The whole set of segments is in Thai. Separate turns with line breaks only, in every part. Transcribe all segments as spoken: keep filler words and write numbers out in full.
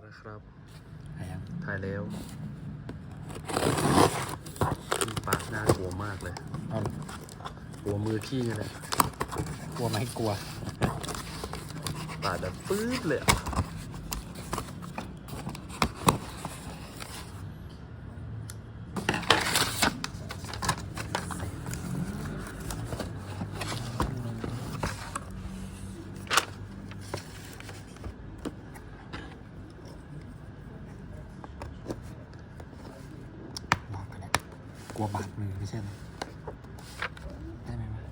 นะครับ
ถ่ายยัง
ถ่ายแล้วพี่ปากน่ากลัวมากเลย
เอา
กลัวมือพี่นี่แหละ
กลัวไหมกลัว
ปาดแบบปื๊ดเลยอะ
ลองกันแหละกลัวบาดมือไม่ใช่ไหมได้ไหมวะ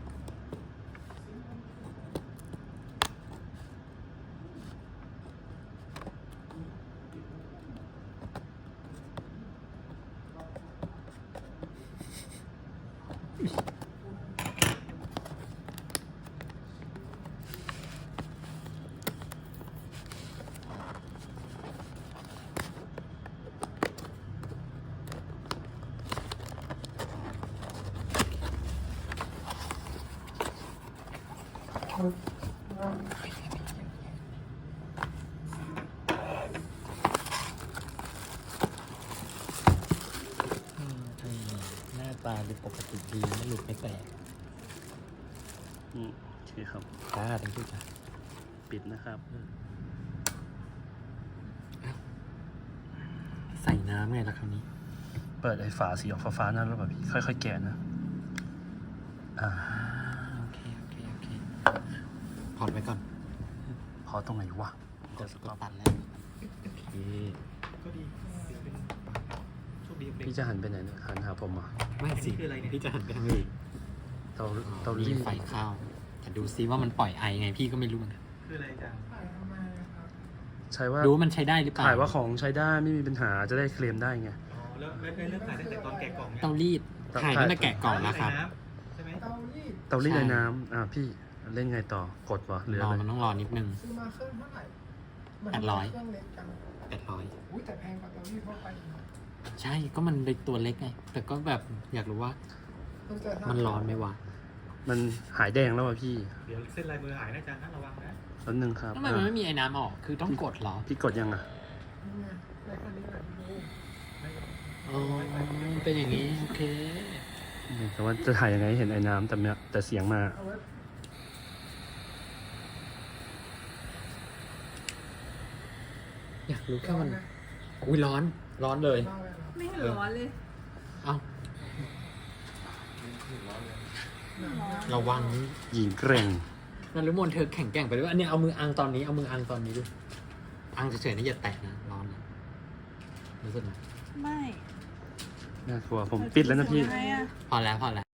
หน้าตาดูปกติดีไม่หลุดไม่แตก
อืมโอเคครับ
ตาทั้งคู่จ้ะ
ปิดนะครับ
ใส่น้ำไงล่ะคราวนี้
เปิดไอ้ฝาสีออกฟ้าๆนั่นแล้วแบบพี่ค่อยๆแกะนะ อ่า
โอเคโอเคโอเคพอดไว้ก่อน
พอตรงไหนวะ
กดกดตัดแล้วโอเค
ก็ดีเดี๋ยวเป็นโชคดีเป็น
พี่จะหันไปไหนเนี่ยหันหาผมเหรอ่ะ
ไม่สิ
คืออะไรเนี่ย
พี่จะหันไปทางนี้
เตา
เตา
เตา
รี
รี
ด
ด
ไฟเข้าแต่ดูซิว่ามันปล่อยไอไงพี่ก็ไม่รู้เหมือนกัน
คืออะไรอาจารย์
ใช่ว่า
รู้ว่ามันใช้ได้หรือเปล่า
ถ่ายว่าของใช้ได้ไม่มีปัญหาจะได้เคลมได้ไง
อ๋อแล้วแล้วได้เริ่มถ่ายตั้งแต่ตอนแกะกล่องเนี่ย
เตารีด
เตา
ถ่ายตั้งแต่แกะกล่องแล้วครับ
ใช่ไหม
เตารีด
เตารีด
ใช่
ไอ้น้ำอ่าพี่เล่นไงต่อกดวะหรือ
รอ
อะไร
มันต้องรอนิดนึง
ซื้อมาเครื่องเท่าไหร่มัน
แปดร้อย
เครื่องเล็กจัง
แปดร้อย
อุ้ยแต่แพงกว่าเตารีดทั่วไปอีกนะ
ใช่ก็มันเป็นตัวเล็กไงแต่ก็แบบอยากรู้ว่า
มันจะ
มันร้อนไหมวะ
มันหายแดงแล้วอ่ะพี่
เดี๋ยวเส้นลายมือหายนะอาจารย์นะระวังนะ
แป๊บนึงครับ
ทำไมมันไม่มีไอ้น้ำออกคือต้องกดเหรอ
พี่กดยังอ่ะ
นี่ไงในคันนี้แหละดู
อ๋อมันเป็นอย่างนี้โอเค
แต่ว่าจะถ่ายยังไงให้เห็นไอ้น้ำแต่เนี่ยแต่เสียงมา
เอาไว้
อยากรู้แค่มันอุ้ยร้อนร้อนเลย
เล่าไว้เหรอ
ไม่เห็นร้อนเลย
เอ้าระวัง
หญิงเกร่ง
นันรุมนเธอแข็งแกร่งไปด้วยอันนี้เอามืออังตอนนี้เอามืออังตอนนี้ดูอังเฉยๆนี่อย่าแตะนะร้อนนะรู้สึกไหม
ไม่
น่ากลัวผมปิดแล้วนะพี่
ทำไมอะ
พอแล้วพอแล้ว